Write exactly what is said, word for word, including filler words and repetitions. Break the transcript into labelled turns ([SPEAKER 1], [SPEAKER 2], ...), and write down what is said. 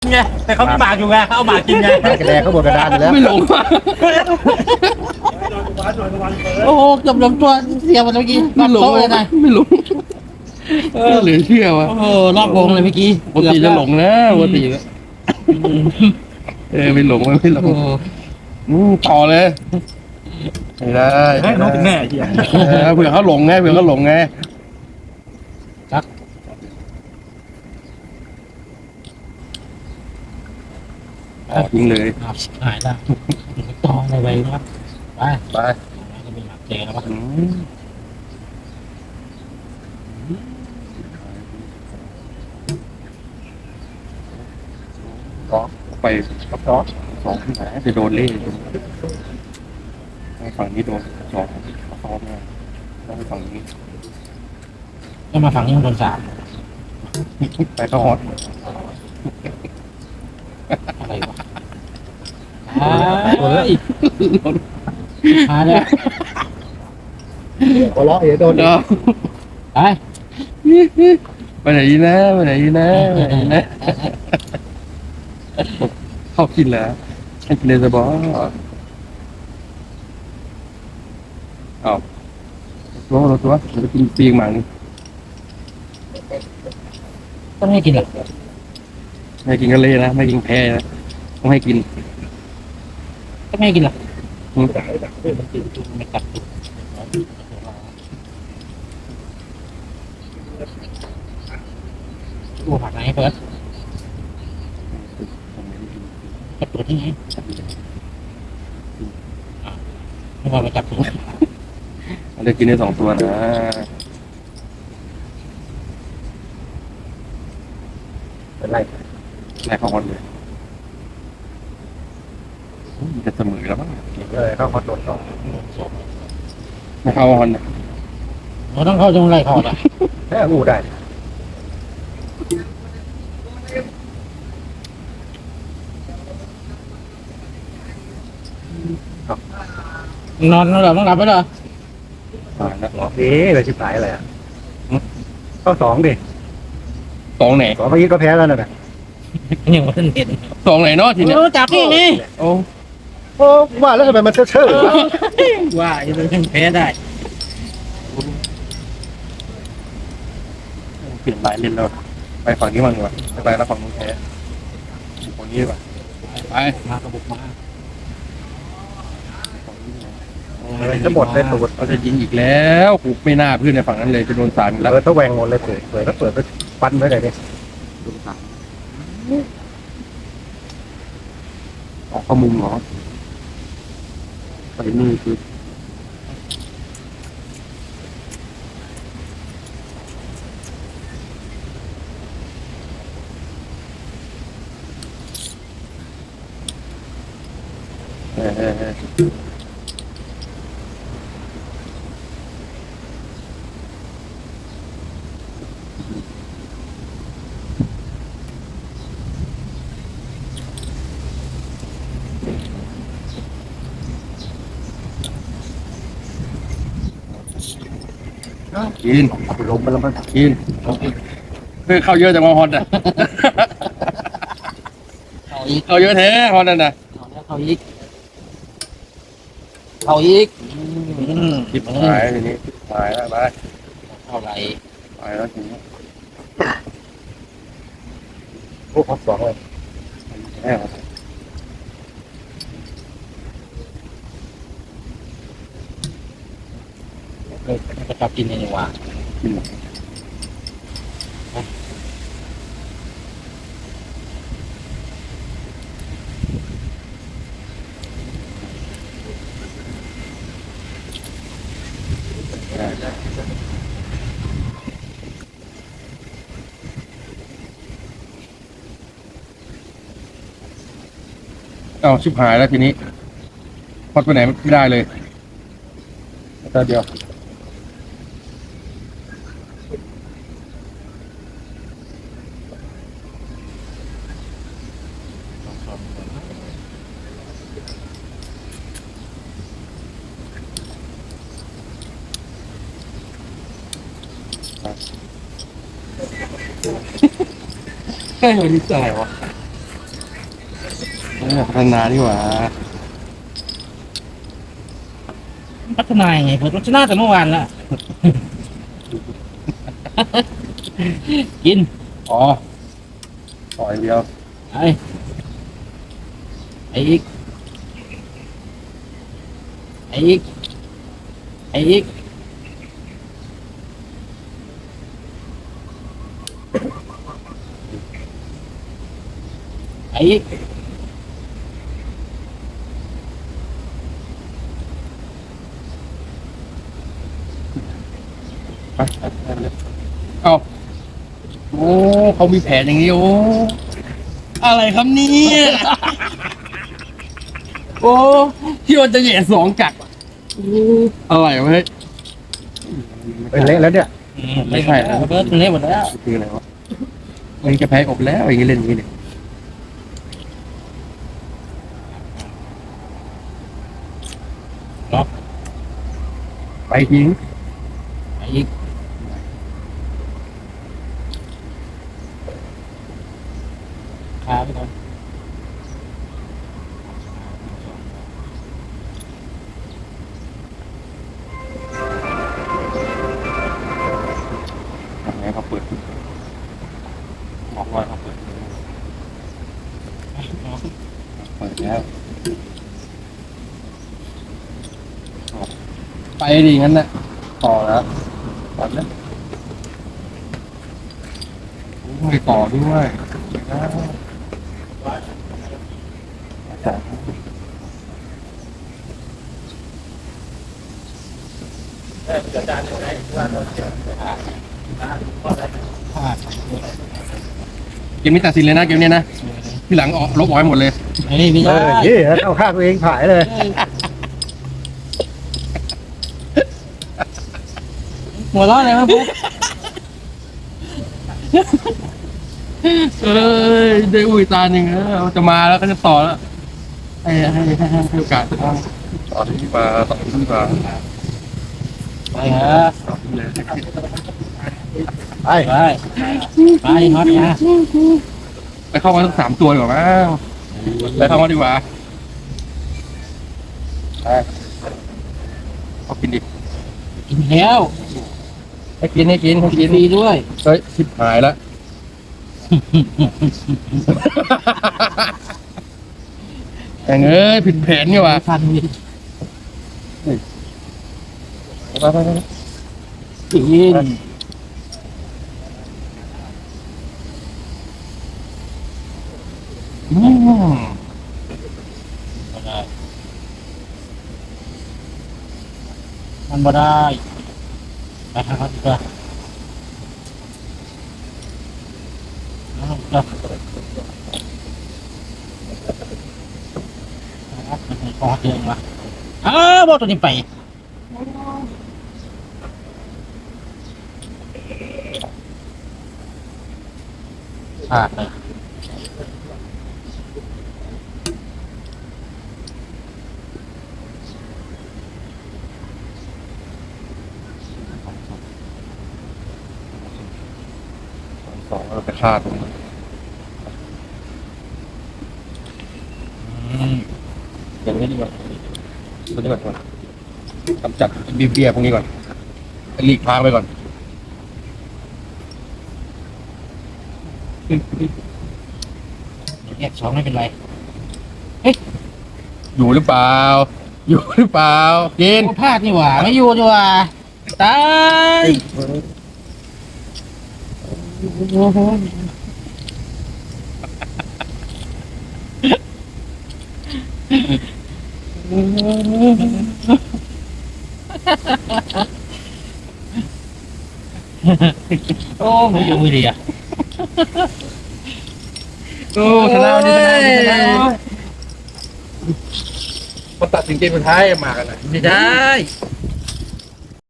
[SPEAKER 1] ไงแต่เขามีหมากอยู่ไงเขาเอาหมากกินไง
[SPEAKER 2] กระแดงเขาบนกระดานอยู่แล้ว
[SPEAKER 3] ไม่หลงว่ะ
[SPEAKER 1] โอ้โหเกือบล้มตัวเสียหมดเมื่อกี้
[SPEAKER 3] ไม่หลง
[SPEAKER 1] โต๊ะเลยนะ
[SPEAKER 3] ไม่หลงเหลือเชื่อว่ะ
[SPEAKER 1] โอ้โหรอบวงเลยเมื่อกี้
[SPEAKER 3] ปกติจะหลงนะปกติแล้วเออไม่หลงไม่หลง
[SPEAKER 1] โอ้โห
[SPEAKER 3] อืมต่อเลยไม่ได้
[SPEAKER 2] แม่น้องเป็นแม่เหี้ย
[SPEAKER 3] เออเผื่อเขาหลงไงเผื่อเขาหลงไงออกยิงเลย
[SPEAKER 1] ครับหายแล้วตองในใบนะครับไป
[SPEAKER 3] ไป
[SPEAKER 1] จะมีหมากเจแล้วปะ
[SPEAKER 3] อืมก็ไป
[SPEAKER 2] ครับต่อ
[SPEAKER 3] สองที่ไหนจะโดนเล่ฝั่งนี้โดนสองซ้อมมาต้องไปฝั่งนี้
[SPEAKER 1] ก็มาฝั่งนี้มันโดนสาม
[SPEAKER 3] ไปเข้าฮอต
[SPEAKER 1] อะไรวะอ่าเฮ้ยมาเลย
[SPEAKER 2] หัวเราะเดี๋ยวโดน
[SPEAKER 3] เดี๋ยว
[SPEAKER 1] ไป
[SPEAKER 3] ไปไหนดีนะไปไหนดีนะไปไหนดีนะเข้ากินแล้วให้กินเลยจะบอกเอาตัวเราตัวจะกินปีกหมานี่
[SPEAKER 1] ต้องให้กินเหรอ
[SPEAKER 3] ไม่กินกะเล่นะไม่กินแพ้นะต้องให้กิน
[SPEAKER 1] ต้องให้กินเหรอ
[SPEAKER 3] อืม
[SPEAKER 1] ไม่กัดตัวผักไหนเฟิร์สจับตัวที่ไหนไม่ว่ามาจับตัว
[SPEAKER 3] เราจะกินได้สองตัวนะ
[SPEAKER 2] เป็นไร
[SPEAKER 3] แรกเข้าฮอตเลยมันจะเสมอแล้วมั้ง
[SPEAKER 2] เลยเข้าคอนโดต่อ
[SPEAKER 3] ไม่เข้าฮอตนะ
[SPEAKER 1] เราต้องเข้าตรงไรเขาอ่ะ
[SPEAKER 2] แค่อู้ได้
[SPEAKER 1] นอนแล้วเหรอต้องหลับไปเหรอ
[SPEAKER 3] ตายแล้ว
[SPEAKER 2] เอ๊ะอะไรชิบหายอะไรอ่ะเข้าสองดิ
[SPEAKER 3] สองไหน
[SPEAKER 2] สองเมื่อกี้ก็แพ้แล้วนะ
[SPEAKER 1] ยังไม่เห็น
[SPEAKER 3] สองไหนเนาะทีเนี้ย
[SPEAKER 1] โอ้จับนี่ไง
[SPEAKER 3] โอ้
[SPEAKER 2] โอ้ว่าแล้วทำไมมันเชื่อเชื่อ
[SPEAKER 1] ว่าจะเป็นแพ้ได้
[SPEAKER 3] เปลี่ยนลายเล่นแล้วไปฝั่งนี้มั่งดีกว่าไปแล้วฝั่งนู้นแพ้ฝั่งนี้ดีกว่าไป
[SPEAKER 1] มากระบุกมา
[SPEAKER 2] จะหมดเลยตูด
[SPEAKER 3] เราจะยิงอีกแล้วกูไม่น่าเพื่อนในฝั่งนั้นเลยจะโดนสารแล้ว
[SPEAKER 2] เปิดตะแวงหมดเลยเปิดเปิดแล้วเปิดไปฟันไว้ไหนดิ
[SPEAKER 3] โดนสารออกข้อมุมเหรอไปนี่คือเออเออเออกิน
[SPEAKER 2] ลงไปแล้วมัน
[SPEAKER 3] กินเพื่อเข้าเยอะแต่มาฮอตอ่ะ
[SPEAKER 1] เขาอีก
[SPEAKER 3] เข้าเยอะแท้ฮอตนั่นน่ะ
[SPEAKER 1] เขาแล้วเขาอีกเขาอีก
[SPEAKER 3] คิดหายทีนี้คิดหายแล้วไป
[SPEAKER 1] เท่าไหร่
[SPEAKER 3] ไปแล้วทีนี้
[SPEAKER 2] โอ้เข้าสองเลย
[SPEAKER 3] แน่ว
[SPEAKER 1] เออมันจะกลับกินในนี่ว่า
[SPEAKER 3] กินเอาชิบหายแล้วทีนี้พอดไปไหนไม่ได้เลยแต่เดียว ใช่วันนี้จ่ายวะอพัฒนาดีกว่า
[SPEAKER 1] พัฒนายังไงเปิดรสชาติแต่เมื่อวานละ กิน
[SPEAKER 3] อ๋อต่อยเดียว
[SPEAKER 1] ไอ้ไอ้อีกไอ้อีกไอ้อีกไอ้อีก
[SPEAKER 3] ไปเอ้าโอ้เขามีแผนอย่างนี้โอ้อะไรครับเนี่ยโอ้ที่มันจะแย่สองกัดโอ้อะไรวะเฮ้ย
[SPEAKER 2] เป็นเละแล้วเนี่ย
[SPEAKER 3] ไม่ใช่นะ
[SPEAKER 1] เบิร์ดมันเละหมดแล้ว
[SPEAKER 3] คืออะไรวะมันจะแพ้อบแล้วอย่างนี้เล่นอย่างนี้เนี่ยไปทิ้ง
[SPEAKER 1] ไอ้อีกขาไปก่อน
[SPEAKER 3] ทำไงเขาเปิดบอกว่าเขาเปิดเปิดแล้วไปดิงั้นนะต่อแล้วต่อแล้วไม่ต่อด้วยเกมนี้ตัดสินเลยนะเกมนี้นะพี่หลังออกลบออกให้หมดเลย
[SPEAKER 1] ไอ้ไม่
[SPEAKER 2] เอ
[SPEAKER 1] ใช่
[SPEAKER 2] อนี่เอาข้างตัวเองผายเลย
[SPEAKER 1] หัวเร้อนเลยมั้งปุ๊บ
[SPEAKER 3] เอ้ยได้อุ้ยตาหนึ่งแล้วจะมาแล้วก็จะต่อแล้วให้ให้ให้ให้โอกาสต่อที่มาต่อที่มา
[SPEAKER 1] ไปฮะ
[SPEAKER 3] ต่อที่เลย
[SPEAKER 2] ไป
[SPEAKER 1] ไปไปฮอตนะ
[SPEAKER 3] ไปเข้ามาทั้งสามตัวดีกว่ามั้งไปเข้ามาดีกว่าไปเอากินดิ
[SPEAKER 1] กินแล้ว
[SPEAKER 3] ให้กินให้กินให้
[SPEAKER 1] กิ
[SPEAKER 3] กิ
[SPEAKER 1] น
[SPEAKER 3] น
[SPEAKER 1] ฟรีด้วย
[SPEAKER 3] เฮ้ยชิบหายแล้วแองเอ้ยผิดแผนนี่ว่ะ
[SPEAKER 1] ฟันมี
[SPEAKER 3] ไปไปไป
[SPEAKER 1] กิน
[SPEAKER 3] อืม
[SPEAKER 1] มันบ่ได้ไปหาเขาดีกว่าเอาจ้ะเอามันให้คอเดืองวะอ้าวบอกตัวนี้ไปพลาดเลย
[SPEAKER 3] สองเราไปฆ่าตรงนั้น
[SPEAKER 1] อืม
[SPEAKER 3] อย่างนี้ดีกว่าตัวนี้ก่อนก่อนกำจัดบีเบียพวกนี้ก่อนหลีกทางไปก่อน
[SPEAKER 1] แยกสองไม่เป็นไร
[SPEAKER 3] อยู่หรือเปล่า อยู่หรือเปล่ากิน
[SPEAKER 1] โอ้พลาดนี่หว่าไม่อยู่ดีกว่าตายโอ้ไม่อยู่ไม่ดีอ่ะ
[SPEAKER 3] โอ้ชนะวันนี้ชนะวันนี้ชนะมาตัดสินเกมสุดท้ายมากันนะ
[SPEAKER 1] ไม่ได้